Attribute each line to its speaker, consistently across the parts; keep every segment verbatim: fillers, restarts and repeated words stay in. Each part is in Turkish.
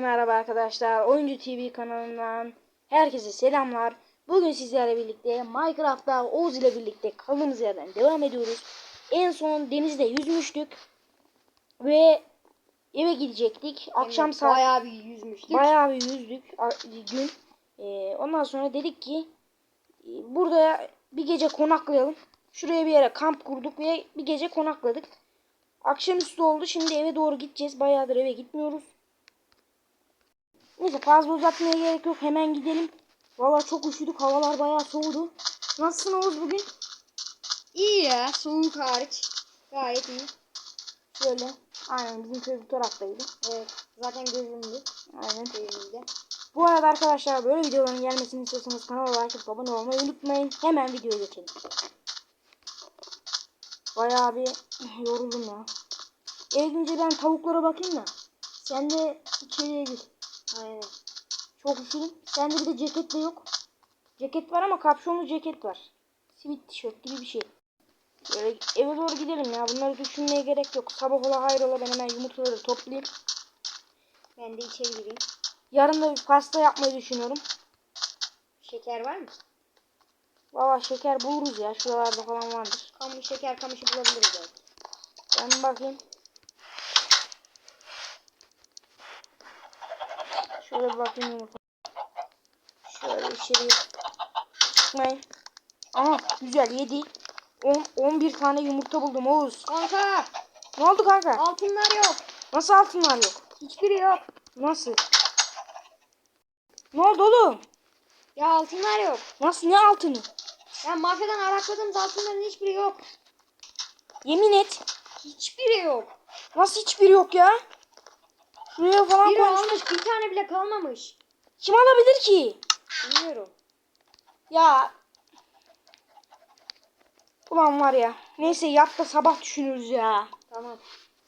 Speaker 1: merhaba arkadaşlar. Oyuncu T V kanalından herkese selamlar. Bugün sizlerle birlikte Minecraft'ta Oğuz ile birlikte kaldığımız yerden devam ediyoruz. En son denizde yüzmüştük ve eve gidecektik. Akşam
Speaker 2: evet,
Speaker 1: saat
Speaker 2: bayağı bir yüzmüştük.
Speaker 1: Bayağı bir yüzdük gün. Ee, ondan sonra dedik ki burada bir gece konaklayalım. Şuraya bir yere kamp kurduk ve bir gece konakladık. Akşamüstü oldu. Şimdi eve doğru gideceğiz. Bayağıdır eve gitmiyoruz. Neyse fazla uzatmaya gerek yok. Hemen gidelim. Vallahi çok üşüdük. Havalar bayağı soğudu. Nasılsın Oğuz bugün?
Speaker 2: İyi ya, soğuk hariç. Gayet iyi.
Speaker 1: Şöyle. Aynen bizim köy bu taraftaydı.
Speaker 2: Evet, zaten gözümdü.
Speaker 1: Aynen.
Speaker 2: Köyümüzde.
Speaker 1: Bu arada arkadaşlar böyle videoların gelmesini istiyorsanız kanala like atıp abone olmayı unutmayın. Hemen videoya geçelim. Bayağı bir yoruldum ya. Eve gidince ben tavuklara bakayım da. Sen de içeriye gir.
Speaker 2: Aynen.
Speaker 1: Çok üşüdüm. Sende bir de ceket de yok. Ceket var ama kapşonlu ceket var. Sivit tişört gibi bir şey. Böyle eve doğru gidelim ya. Bunları düşünmeye gerek yok. Sabah ola hayrola ben hemen yumurtaları toplayayım.
Speaker 2: Ben de içeri gireyim.
Speaker 1: Yarın da bir pasta yapmayı düşünüyorum.
Speaker 2: Şeker var mı?
Speaker 1: Valla şeker buluruz ya. Şuralarda falan vardır.
Speaker 2: Kamış, şeker kamışı bulabiliriz belki.
Speaker 1: Ben bir bakayım. Şöyle bir bakayım yumurta. Şöyle içeriye çıkmayın. Aha güzel yedi. on, on bir tane yumurta buldum Oğuz.
Speaker 2: Kanka!
Speaker 1: Ne oldu kanka?
Speaker 2: Altınlar yok.
Speaker 1: Nasıl altınlar yok?
Speaker 2: Hiçbiri yok.
Speaker 1: Nasıl? Ne oldu oğlum?
Speaker 2: Ya altınlar yok.
Speaker 1: Nasıl ne altını?
Speaker 2: Ya mafyadan arakladığımız altınların hiçbiri yok.
Speaker 1: Yemin et.
Speaker 2: Hiçbiri yok.
Speaker 1: Nasıl hiçbir yok ya? Şuraya falan
Speaker 2: Biri
Speaker 1: koymuş.
Speaker 2: almış, bir tane bile kalmamış.
Speaker 1: Kim alabilir ki?
Speaker 2: Bilmiyorum.
Speaker 1: Ya. Ulan var ya. Neyse yat da sabah düşünürüz ya.
Speaker 2: Tamam.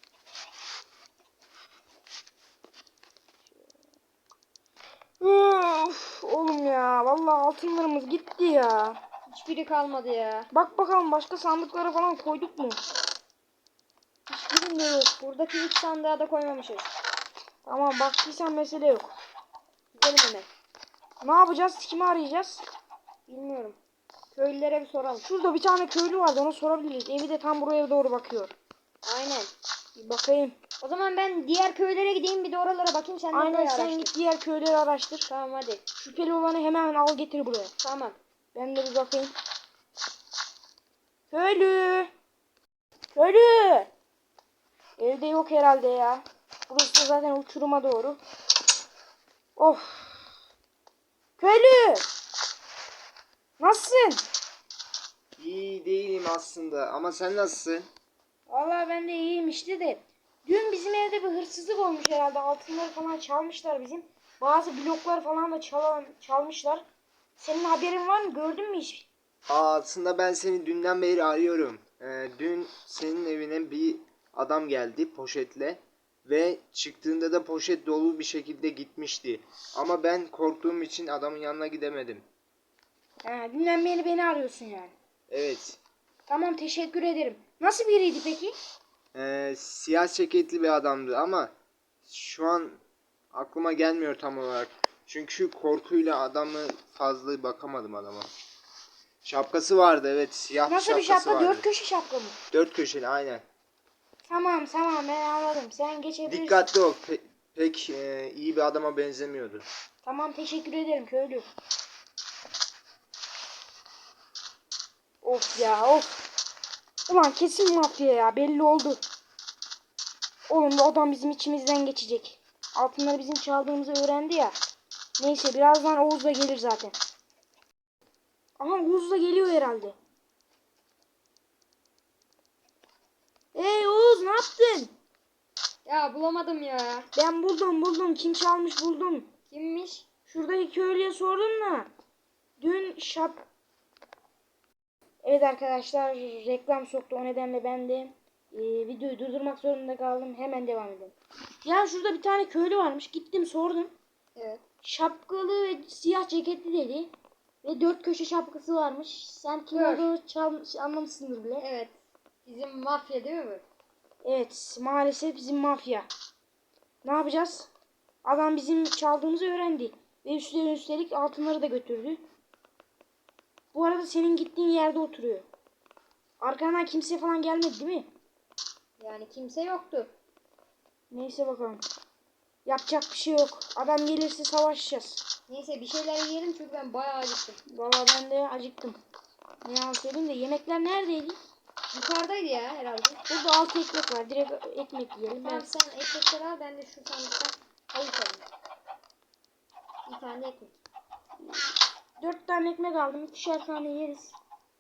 Speaker 1: Üf, oğlum ya. Vallahi altınlarımız gitti ya.
Speaker 2: Hiçbiri kalmadı ya.
Speaker 1: Bak bakalım başka sandıklara falan koyduk mu?
Speaker 2: Hiçbirinde yok. Buradaki üç sandığa da koymamışız.
Speaker 1: Tamam baktıysan mesele yok.
Speaker 2: Gidelim hemen.
Speaker 1: Ne yapacağız? Kimi arayacağız?
Speaker 2: Bilmiyorum. Köylülere bir soralım.
Speaker 1: Şurada bir tane köylü vardı, ona sorabiliriz. Evi de tam buraya doğru bakıyor.
Speaker 2: Aynen.
Speaker 1: Bir bakayım.
Speaker 2: O zaman ben diğer köylere gideyim, bir de oralara bakayım, sen de
Speaker 1: Aynen
Speaker 2: burayı
Speaker 1: sen
Speaker 2: araştır.
Speaker 1: git diğer köyleri araştır.
Speaker 2: Tamam hadi.
Speaker 1: Şüpheli olanı hemen al getir buraya.
Speaker 2: Tamam.
Speaker 1: Ben de bir bakayım. Köylü. Köylü. Evde yok herhalde ya. Burası da zaten uçuruma doğru. Of. Köylü. Nasılsın?
Speaker 3: İyi değilim aslında ama sen nasılsın?
Speaker 1: Vallahi ben de iyiyim işte de. Dün bizim evde bir hırsızlık olmuş herhalde. Altınları falan çalmışlar bizim. Bazı bloklar falan da çalan, çalmışlar. Senin haberin var mı? Gördün mü hiç?
Speaker 3: Aa, aslında ben seni dünden beri arıyorum. Ee, dün senin evine bir adam geldi poşetle ve çıktığında da poşet dolu bir şekilde gitmişti. Ama ben korktuğum için adamın yanına gidemedim.
Speaker 1: He, dünden beri beni arıyorsun yani.
Speaker 3: Evet.
Speaker 1: Tamam teşekkür ederim. Nasıl biriydi peki?
Speaker 3: Ee, siyah ceketli bir adamdı ama şu an aklıma gelmiyor tam olarak. Çünkü korkuyla adamı fazla bakamadım adama. Şapkası vardı, evet, siyah
Speaker 1: Nasıl bir
Speaker 3: şapkası
Speaker 1: şapka?
Speaker 3: vardı.
Speaker 1: Dört köşe şapka mı?
Speaker 3: Dört köşeli aynen.
Speaker 1: Tamam tamam ben anladım. Sen geçebilirsin.
Speaker 3: Dikkatli ol. Pe- pek e, iyi bir adama benzemiyordu.
Speaker 1: Tamam teşekkür ederim köylü. Of ya of. Ulan kesin mafya ya belli oldu. Oğlum bu adam bizim içimizden geçecek. Altınları bizim çaldığımızı öğrendi ya. Neyse birazdan Oğuz da gelir zaten. Aha Oğuz da geliyor herhalde. Hey Oğuz ne yaptın?
Speaker 2: Ya bulamadım ya.
Speaker 1: Ben buldum buldum. Kim çalmış buldum.
Speaker 2: Kimmiş?
Speaker 1: Şuradaki köylüye sordum da. Dün şap... Evet arkadaşlar reklam soktu. O nedenle ben de e, videoyu durdurmak zorunda kaldım. Hemen devam edelim. Ya şurada bir tane köylü varmış. Gittim sordum.
Speaker 2: Evet.
Speaker 1: Şapkalı ve siyah ceketli dedi. Ve dört köşe şapkası varmış. Sen kim
Speaker 2: Dur.
Speaker 1: olduğunu çalmış, anlamışsındır bile.
Speaker 2: Evet. Bizim mafya değil mi bu?
Speaker 1: Evet maalesef bizim mafya. Ne yapacağız? Adam bizim çaldığımızı öğrendi. Ve üstüne üstelik altınları da götürdü. Bu arada senin gittiğin yerde oturuyor. Arkandan kimse falan gelmedi değil mi?
Speaker 2: Yani kimse yoktu.
Speaker 1: Neyse bakalım. Yapacak bir şey yok. Adam gelirse savaşacağız.
Speaker 2: Neyse bir şeyler yiyelim çünkü ben bayağı acıktım.
Speaker 1: Vallahi ben de acıktım. Ne yalan söyleyeyim de yemekler neredeydi?
Speaker 2: Yukarıdaydı ya herhalde.
Speaker 1: Burada altı ekmek var. Direkt ekmek yiyelim.
Speaker 2: Tamam
Speaker 1: Ben...
Speaker 2: sen ekmekleri al, ben de şu sandıktan tavuk alayım. Bir tane ekmek.
Speaker 1: Dört tane ekmek aldım. İkişer tane yeriz.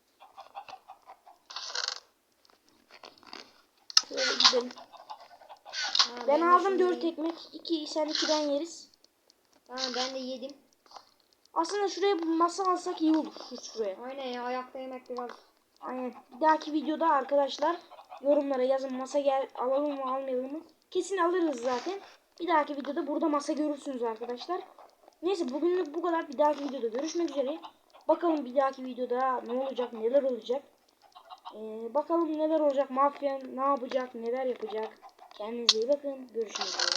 Speaker 1: Şöyle gidelim.
Speaker 2: Ha,
Speaker 1: Ben
Speaker 2: de
Speaker 1: aldım
Speaker 2: şunu
Speaker 1: dört
Speaker 2: yiyeyim.
Speaker 1: ekmek. İki sen ikiden yeriz.
Speaker 2: Tamam ben de yedim.
Speaker 1: Aslında şuraya bir masa alsak iyi olur. Şu şuraya.
Speaker 2: Aynen ya, ayakta yemek biraz.
Speaker 1: Aynen. Bir dahaki videoda arkadaşlar yorumlara yazın, masa gel alalım mı almayalım mı? Kesin alırız zaten. Bir dahaki videoda burada masa görürsünüz arkadaşlar. Neyse bugünlük bu kadar. Bir dahaki videoda görüşmek üzere. Bakalım bir dahaki videoda ne olacak, neler olacak. Ee, bakalım neler olacak. Mafya ne yapacak, neler yapacak. Kendinize iyi bakın. Görüşmek üzere.